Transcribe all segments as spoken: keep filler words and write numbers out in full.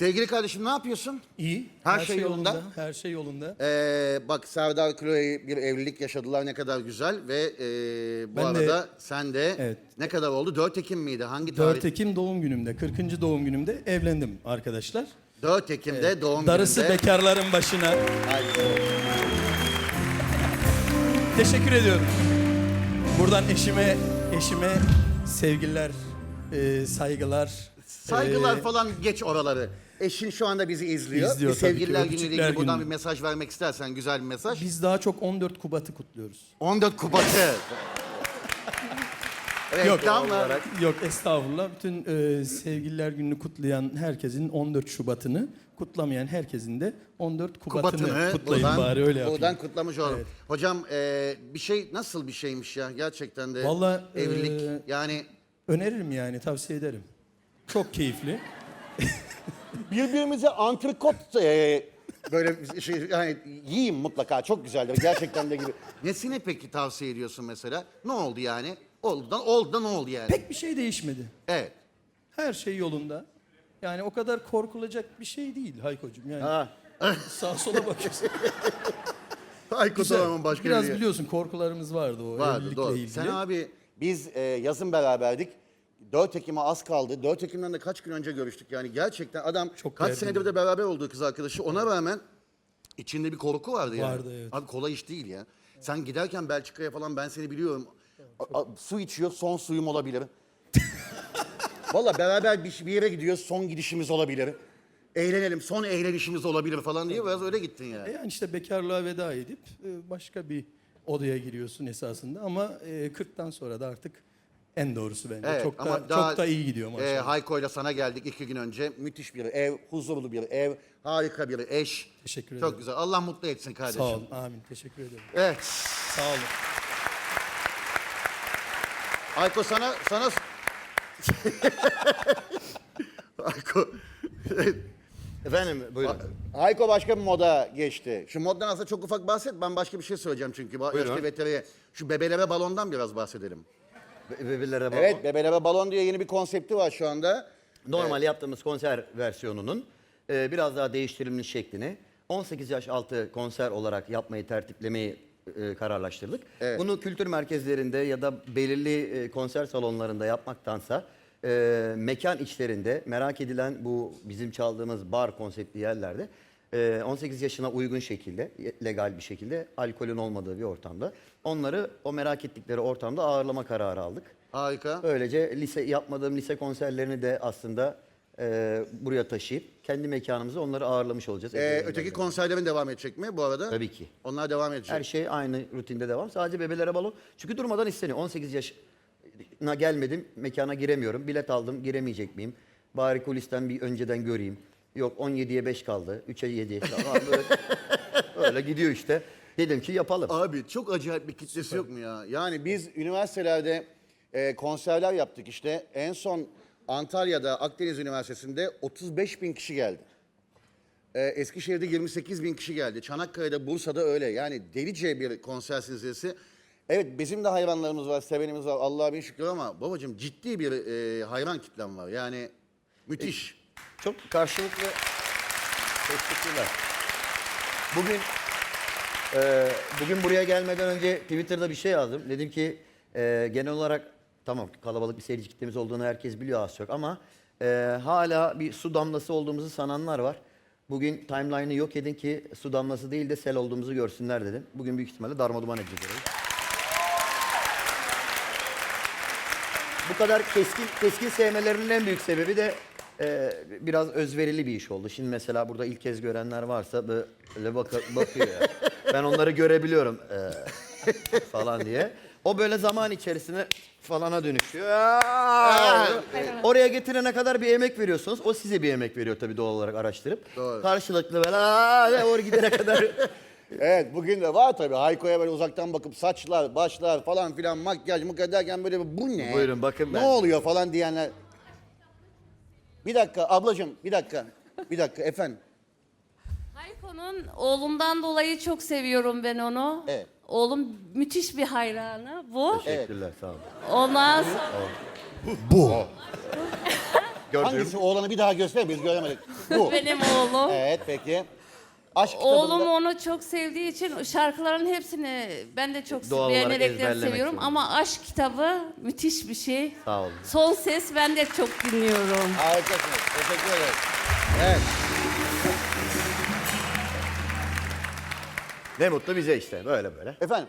Sevgili kardeşim ne yapıyorsun? İyi. Her şey yolunda. Her şey yolunda. Ee, bak Serdar Chloe bir evlilik yaşadılar, ne kadar güzel ve e, bu Ben de- arada sen de Evet. ne kadar oldu? dört Ekim miydi? Hangi tarih? dört Ekim doğum günümde, kırkıncı doğum günümde evlendim arkadaşlar. dört Ekim'de doğum Darısı gününde. bekarların başına. Ay, Teşekkür ediyorum. Buradan eşime, eşime sevgiler, e, saygılar. Saygılar e, falan geç oraları. Eşin şu anda bizi izliyor. İzliyor bir tabii ki, sevgililer günüyle öpücükler ilgili buradan günü. bir mesaj vermek istersen, güzel bir mesaj. Biz daha çok on dört Kubat'ı kutluyoruz. on dört Kubat'ı. Reklam mı? Yok estağfurullah. Bütün e, sevgililer gününü kutlayan herkesin on dört Şubat'ını, kutlamayan herkesin de on dört Kubat'ını, Kubat'ını kutlayın buradan, bari öyle yapayım. buradan kutlamış olalım. Evet. Hocam e, bir şey nasıl bir şeymiş ya gerçekten de Vallahi, evlilik e, yani Öneririm yani, tavsiye ederim. Çok keyifli. birbirimize antrikot e, böyle şey yani yiyin mutlaka, çok güzeldir gerçekten de gibi. Nesine peki tavsiye ediyorsun mesela? Ne oldu yani? Oldu da oldu da ne oldu yani? Pek bir şey değişmedi. Evet. Her şey yolunda. Yani o kadar korkulacak bir şey değil Haykocuğum. Yani Ha. sağa sola bakıyorsun. Aykut Güzel. Orman'ın başka Biraz biri. biliyorsun korkularımız vardı o Vardı evlilikle doğru. ilgili. Sen abi biz e, yazın beraberdik. dört Ekim'e az kaldı. dört Ekim'den de kaç gün önce görüştük yani gerçekten adam Çok kaç değerli. senedir de beraber olduğu kız arkadaşı, ona rağmen içinde bir korku vardı yani. Vardı, evet. Abi kolay iş değil ya. Sen giderken Belçika'ya falan ben seni biliyorum. A- a- su içiyor, son suyum olabilir. Valla beraber bir, bir yere gidiyoruz, son gidişimiz olabilir. Eğlenelim, son eğlenişimiz olabilir falan diye biraz öyle gittin yani. E Yani işte bekarlığa veda edip e, başka bir odaya giriyorsun esasında ama e, kırktan sonra da artık en doğrusu bence. Evet, çok ama da daha, çok da iyi gidiyor E, maşallah. Hayko'yla sana geldik iki gün önce. Müthiş bir ev, huzurlu bir ev, harika bir eş. Teşekkür Çok ederim. güzel. Allah mutlu etsin kardeşim. Sağ olun. Amin. Teşekkür ederim. Evet. Sağ olun. Hayko sana sana Hayko Efendim buyurun. Hayko başka bir moda geçti. Şu moddan aslında çok ufak bahset. Ben başka bir şey söyleyeceğim çünkü. Ba- Buyurun. Yaşlı veteriye. Şu bebeleme balondan biraz bahsedelim. Be- Bebelere bak. Evet, bebeleme balon diye yeni bir konsepti var şu anda. Normal yaptığımız konser versiyonunun e, biraz daha değiştirilmiş şeklini on sekiz yaş altı konser olarak yapmayı, tertiplemeyi e, kararlaştırdık. Evet. Bunu kültür merkezlerinde ya da belirli e, konser salonlarında yapmaktansa e, mekan içlerinde merak edilen bu bizim çaldığımız bar konseptli yerlerde e, on sekiz yaşına uygun şekilde, legal bir şekilde, alkolün olmadığı bir ortamda onları o merak ettikleri ortamda ağırlama kararı aldık. Harika. Böylece lise yapmadığım lise konserlerini de aslında e, buraya taşıyıp kendi mekanımızda onları ağırlamış olacağız. Ee, Evlerinden öteki beri. konserlerin devam edecek mi bu arada? Tabii ki. Onlar devam edecek. Her şey aynı rutinde devam. Sadece bebelere balon. Çünkü durmadan isteniyor. on sekiz yaşına gelmedim, mekana giremiyorum. Bilet aldım, giremeyecek miyim? Bari kulisten bir önceden göreyim. Yok on yediye beş kaldı, üçe yedi. Falan böyle, öyle gidiyor işte. Dedim ki yapalım. Abi çok acayip bir kitlesi yok mu ya? Yani biz üniversitelerde e, konserler yaptık işte. En son Antalya'da Akdeniz Üniversitesi'nde otuz beş bin kişi geldi. E, Eskişehir'de yirmi sekiz bin kişi geldi. Çanakkale'de, Bursa'da öyle. Yani delice bir konser silsilesi. Evet bizim de hayranlarımız var, sevenimiz var. Allah'a bin şükür ama babacığım ciddi bir e, hayran kitlem var. Yani müthiş. Çok karşılıklı teşekkürler. Bugün e, bugün buraya gelmeden önce Twitter'da bir şey yazdım. Dedim ki e, genel olarak tamam kalabalık bir seyirci kitlemiz olduğunu herkes biliyor az çok ama e, hala bir su damlası olduğumuzu sananlar var. Bugün timeline'ı yok edin ki su damlası değil de sel olduğumuzu görsünler dedim. Bugün büyük ihtimalle darmaduman edeceğiz orayı. Bu kadar keskin keskin sevmelerinin en büyük sebebi de e, biraz özverili bir iş oldu. Şimdi mesela burada ilk kez görenler varsa böyle bak bakıyor. ya. Ben onları görebiliyorum e, falan diye. O böyle zaman içerisinde falana dönüşüyor. Aa! Oraya getirene kadar bir emek veriyorsunuz. O size bir emek veriyor tabii doğal olarak araştırıp. Doğru. Karşılıklı böyle aa, oraya gidene kadar. Evet bugün de var tabii. Hayko'ya böyle uzaktan bakıp saçlar, başlar falan filan makyaj mıkaj derken böyle bir, bu ne? Buyurun, bakın Ne ben- oluyor falan diyenler. Bir dakika ablacığım bir dakika. Bir dakika efendim. Hayko'nun oğlumdan dolayı çok seviyorum ben onu. Evet. Oğlum müthiş bir hayranı bu. Teşekkürler sağ olun. Ondan sonra... Gördüm. Hangisi oğlanı bir daha göster, biz göremedik. Bu. Benim oğlum. Evet, peki. Aşk kitabında... Oğlum onu çok sevdiği için şarkıların hepsini ben de çok Doğal olarak beğenerek de ezberlemek seviyorum. zorunda. Ama aşk kitabı müthiş bir şey. Sağ olun. Son ses ben de çok dinliyorum. Harikasınız. Teşekkür ederim. Evet. Ne mutlu bize işte böyle böyle. Efendim?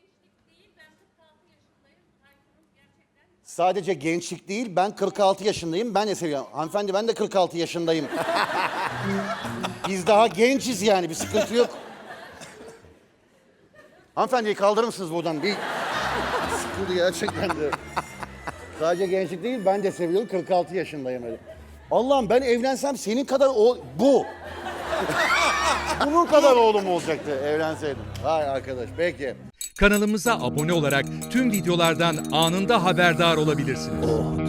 Sadece gençlik değil, ben kırk altı yaşındayım. Ben de seviyorum. Hanımefendi ben de kırk altı yaşındayım. Biz daha gençiz yani, bir sıkıntı yok. Hanımefendiyi kaldırır mısınız buradan? Bir sıkıldı gerçekten de. Sadece gençlik değil, ben de seviyorum. kırk altı yaşındayım öyle. Allah'ım ben evlensem senin kadar o... Bu. Bunun kadar oğlum olacaktı evlenseydim. Vay arkadaş, peki. Kanalımıza abone olarak tüm videolardan anında haberdar olabilirsiniz.